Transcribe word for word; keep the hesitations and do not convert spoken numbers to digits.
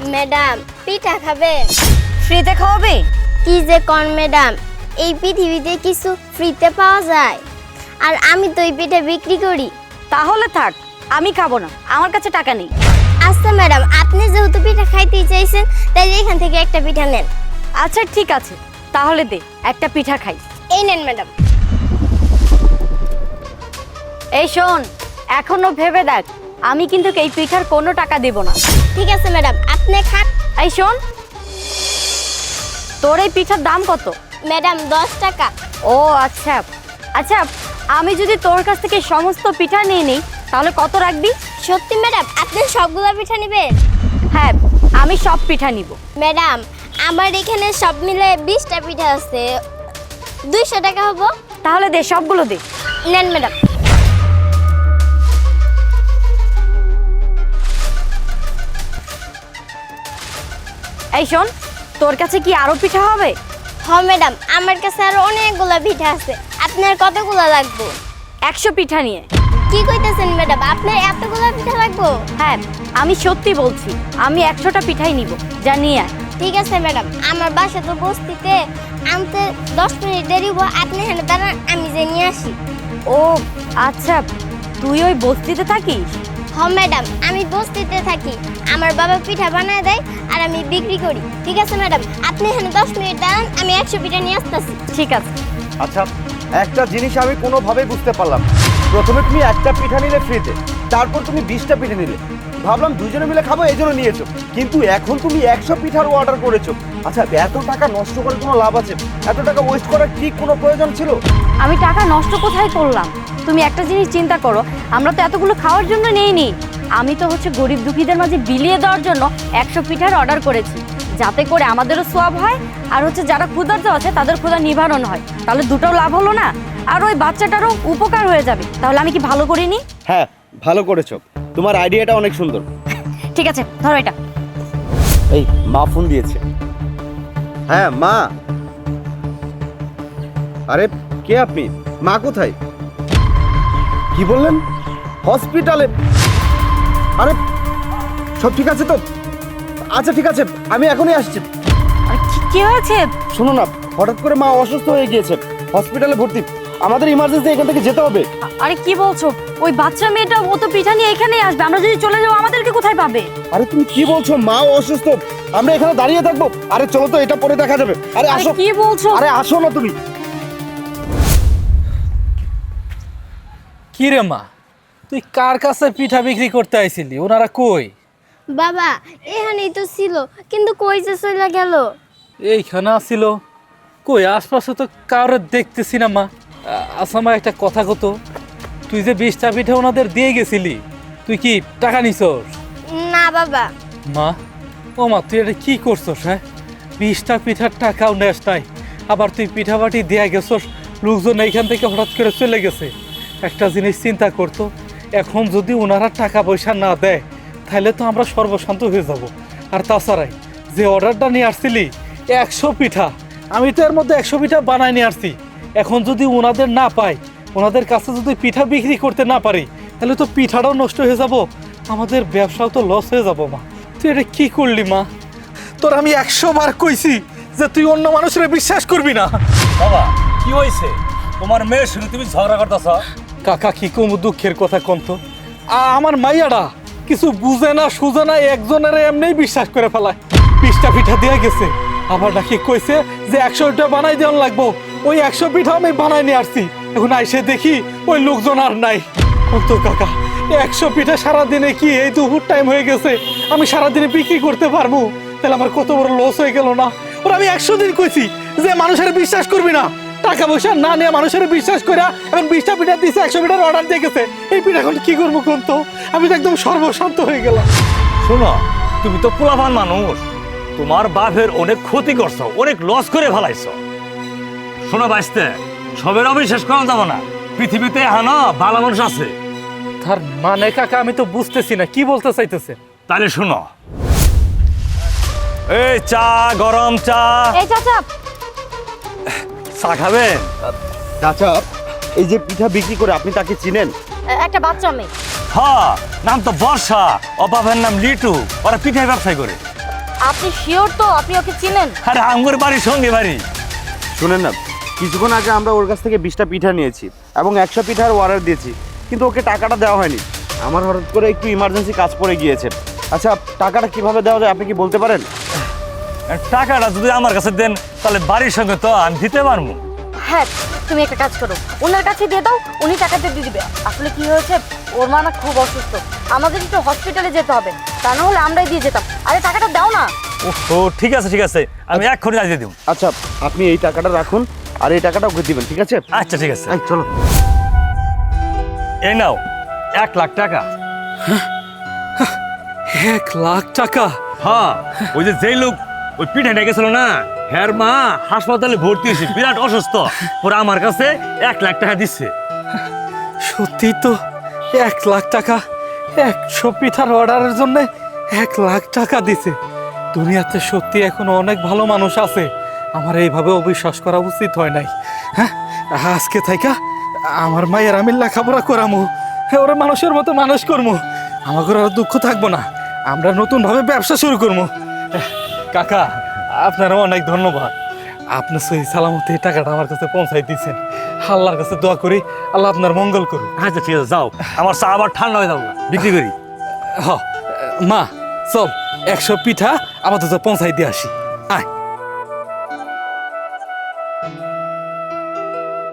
Madam পিঠা খাবেন? ফ্রিতে খাওয়াবে? কি যে কোন ম্যাডাম, এই পৃথিবীতে কিছু ফ্রিতে পাওয়া যায়? আর আমি তো এই পিঠা বিক্রি করি। তাহলে থাক, আমি খাবো না, আমার কাছে টাকা নেই। আচ্ছা ম্যাডাম, আপনি যেহেতু পিঠা খাইতে চাইছেন তাই এখান থেকে একটা পিঠা নেন। আচ্ছা ঠিক আছে, তাহলে দে একটা পিঠা খাই। এই নেন ম্যাডাম। এই শোন, এখনো ভেবে দেখ, আমি কিন্তু এই পিঠার কোনো টাকা দেব না। ঠিক আছে ম্যাডাম, আপনি খান। এই শোন, তোর এই পিঠার দাম কত? ম্যাডাম দশ টাকা। ও আচ্ছা আচ্ছা, আমি যদি তোর কাছ থেকে সমস্ত পিঠা নিয়ে নিই তাহলে কত রাখবি? সত্যি ম্যাডাম, আপনি সবগুলো পিঠা নেবেন? হ্যাঁ, আমি সব পিঠা নিব। ম্যাডাম আমার এখানে সব মিলে বিশটা পিঠা আছে, দুইশো টাকা হবো। তাহলে দে, সবগুলো দে। নেন ম্যাডাম। এই শোন, তোর কাছে কি আরো পিঠা হবে? হ ম্যাডাম, আমার কাছে আরো অনেকগুলো পিঠা আছে, আপনার কতগুলো লাগবে? একশো পিঠা নিয়ে। কি কইতেছেন ম্যাডাম, আপনার এতগুলো পিঠা লাগবে? হ্যাঁ, আমি সত্যি বলছি, আমি একশোটা পিঠাই নিব, যা নিয়ে আয়। ঠিক আছে ম্যাডাম, আমার বাসা তো বস্তিতে, আনতে দশ মিনিট দেরি হবো, আপনি এখানে দাঁড়ান, আমি যে নিয়ে আসি। ও আচ্ছা, তুই ওই বস্তিতে থাকিস? হ ম্যাডাম, আমি বস্তিতে থাকি, আমার বাবা পিঠা বানায় দেয় আর আমি বিক্রি করি। ঠিক আছে ম্যাডাম, আপনি এখানে দশ মিনিট দাঁড়ান, আমি একশো পিঠা নিয়ে আসতেছি। ঠিক আছে। আচ্ছা, একটা জিনিস আমি কোনোভাবেই বুঝতে পারলাম, প্রথমে তুমি একটা পিঠা নিলে ফ্রিতে, তারপর তুমি বিশটা পিঠা নিলে, ভাবলাম দুজনে মিলে খাবো এই জন্য নিয়েছো, কিন্তু এখন তুমি একশো পিঠার অর্ডার করেছো। আচ্ছা, এত টাকা নষ্ট করে কোনো লাভ আছে? এত টাকা ওয়েস্ট করার কি কোনো প্রয়োজন ছিল? আমি টাকা নষ্ট কোথায় করলাম? তুমি একটা জিনিস চিন্তা করো, আমরা তো এতগুলো খাওয়ার জন্য নেইনি, আমি তো হচ্ছে গরিব দুঃখীদের মাঝে বিলিয়ে দেওয়ার জন্য একশো পিঠার অর্ডার করেছি, যাতে করে আমাদেরও সোয়াব হয় আর হচ্ছে যারা ক্ষুধার্ত আছে তাদের ক্ষুধা নিবারণ হয়। তাহলে দুটোও লাভ হলো না? আর ওই বাচ্চাটারও উপকার হয়ে যাবে। তাহলে আমি কি ভালো করিনি? হ্যাঁ, ভালো করেছো, তোমার আইডিয়াটা অনেক সুন্দর। ঠিক আছে, ধরো এটা। এই মা ফোন দিয়েছে। হ্যাঁ মা। আরে কে আপনি? মা কোথায়? কি বললেন? হসপিটালে? আরে সব ঠিক আছে তো? আচ্ছা ঠিক আছে, আমি এখনই আসছি। আর কি কি হয়েছে? শোনো না, হঠাৎ করে মা অসুস্থ হয়ে গিয়েছে, হসপিটালে ভর্তি, আমাদের ইমার্জেন্সি এখান থেকে যেতে হবে। আরে কি বলছো? ওই বাচ্চা মেয়েটা ও তো পিঠা নিয়ে এখানেই আসবে, আমরা যদি চলে যাবো আমাদেরকে কোথায় পাবে? আরে তুমি কি বলছো? মা অসুস্থ, আমরা এখানে দাঁড়িয়ে থাকবো? আরে চলো তো, এটা পরে দেখা যাবে। আরে আরে আসো। কি বলছো? আরে আসো না তুমি। কি রে মা, তুই কার কাছে পিঠা বিক্রি করতে আইছিলি? ওনারা কই? বাবা এখানেই তো ছিল, কিন্তু কই যে চলে গেল? এইখানে আসছিল। কই আশপাশে তো কারোর দেখতেছি না মা। আ- আচ্ছা মা, একটা কথা কত, তুই যে বিশটা পিঠা ওনাদের দিয়ে গেছিলি, তুই কি টাকা নিছস? না বাবা। মা, ও মা, তুই এটা কি করছস? হ্যাঁ, বিশটা পিঠার টাকাও নেস নাই, আবার তুই পিঠা বাটি দিয়ে গেছস, লোকজন এইখান থেকে হঠাৎ করে চলে গেছে। একটা জিনিস চিন্তা করতো, এখন যদি ওনারা টাকা পয়সা না দেয় তাহলে তো আমরা সর্বশান্ত হয়ে যাব। আর তাছাড়াই যে অর্ডারটা নিয়ে আসছিলি একশো পিঠা, আমি তো এর মধ্যে একশো পিঠা বানাই নিয়ে আসছি। এখন যদি ওনাদের না পাই, ওনাদের কাছে যদি পিঠা বিক্রি করতে না পারি, তাহলে তো পিঠাটাও নষ্ট হয়ে যাব, আমাদের ব্যবসাও তো লস হয়ে যাব। মা, তুই এটা কি করলি মা? তোর আমি একশো বার কইছি যে তুই অন্য মানুষের বিশ্বাস করবি না। বাবা কি হয়েছে? তোমার মেয়ের শুনে তুমি ঝগড়া করতেছ? কাকা কি কম দুঃখের কথা কন্ত, আমার মাইয়াটা কিছু বুঝে না সুঝে না, একজনের এমনি বিশ্বাস করে ফেলায়। বিশটা পিঠা দিয়ে গেছে, আবার নাকি কইছে যে একশোটা বানাই দেওয়ার লাগবো। ওই একশো পিঠা আমি বানাই নিয়ে আসছি, এখন আইসে দেখি ওই লোকজন আর নাই। কন্ত কাকা, একশো পিঠা সারাদিনে কি এই দুপুর টাইম হয়ে গেছে, আমি সারাদিনে বিক্রি করতে পারবো? তাহলে আমার কত বড় লস হয়ে গেল না? ওরা আমি একশো দিন কইছি যে মানুষের বিশ্বাস করবি না, টাকা পয়সা না নিয়ে মানুষের বিশ্বাস করে এখন বিশটা পিঠা দিয়েছে, একশো পিঠার অর্ডার দিয়ে গেছে। এই পিঠা এখন কি করবো কন্ত? আমি তো একদম সর্বশান্ত হয়ে গেলাম। শোনো, তুমি তো পোলাপান মানুষ, তোমার বাপের অনেক ক্ষতি করছো, অনেক লস করে ফেলাইছো। শোনো বাঁচতে, সবের অবিশ্বাস করা যাবে না, পৃথিবীতে হানা ভালো মানুষ আছে। তার মানে কাকা আমি তো বুঝতেছি না কি বলতে চাইতেছে। তাহলে শোনো, এই চা, গরম চা। এই চাচা, চা খাবেন? চাচা, এই যে পিঠা বিক্রি করে আপনি তাকে চিনেন? একটা বাচ্চা মেয়ে। হ্যাঁ, নাম তো বর্ষা, ও বাবার নাম লিটু, ওরা পিঠায় ব্যবসায় করে। আপনি শিওর তো আপনি ওকে চিনেন? আরে আমার বাড়ির সঙ্গে বাড়ি। শুনেন না, কিছুক্ষণ আগে আমরা ওর কাছ থেকে বিশটা পিঠা নিয়েছি এবং একশো পিঠার অর্ডার দিয়েছি, কিন্তু ওকে টাকাটা দেওয়া হয়নি। আমার হঠাৎ করে একটু ইমার্জেন্সি কাজ পড়ে গিয়েছে। আচ্ছা, টাকাটা কিভাবে দেওয়া যায় আপনি কি বলতে পারেন? টাকাটা যদি আমার কাছে দেন তাহলে বাড়ির সঙ্গে তো আমি দিতে পারবো। হ্যাঁ, তুমি একটা কাজ করো, ওনার কাছে দিয়ে দাও, উনি টাকাটা দিয়ে দিবে। আসলে কি হয়েছে, ওর মা না খুব অসুস্থ, আমাদের একটু হসপিটালে যেতে হবে, তা না হলে আমরাই দিয়ে যেতাম। আরে টাকাটা দাও না। ও ঠিক আছে ঠিক আছে, আমি এক্ষুনি দিয়ে দিব। আচ্ছা, আপনি এই টাকাটা রাখুন আর এই টাকাটা ওকে দিবেন, ঠিক আছে? আচ্ছা ঠিক আছে, এই চলো। এই নাও এক লাখ টাকা। এক লাখ টাকা? হ্যাঁ, ওই যে যেই লোক ওই পিঠে ডেকেছিল না, হ্যার মা হাসপাতালে ভর্তি হয়েছে, বিরাট অসুস্থ, ওরা আমার কাছে এক লাখ টাকা দিচ্ছে। সত্যি তো, এক লাখ টাকা একশো পিঠার অর্ডারের জন্য এক লাখ টাকা দিছে। দুনিয়াতে সত্যি এখনো অনেক ভালো মানুষ আছে, আমার এইভাবে অবিশ্বাস করা উচিত হয় নাই। হ্যাঁ, আজকে থাইকা আমার মায়ের আমি লেখাপড়া করামো, ওরা মানুষের মতো মানুষ করবো, আমাকে আর দুঃখ থাকবো না, আমরা নতুনভাবে ব্যবসা শুরু করবো। কাকা, আপনারা অনেক ধন্যবাদ, আপনি সহি সালামতে এই টাকাটা আমার কাছে পৌঁছাই দিয়েছেন। আল্লাহর কাছে দোয়া করি আল্লাহ আপনার মঙ্গল করুন। আচ্ছা ঠিক আছে, যাও, আমার চা আবার ঠান্ডা হয়ে যাবো, বিক্রি করি। হ, মা চল একশো পিঠা আপাতত পৌঁছাই দিয়ে আসি। আয়।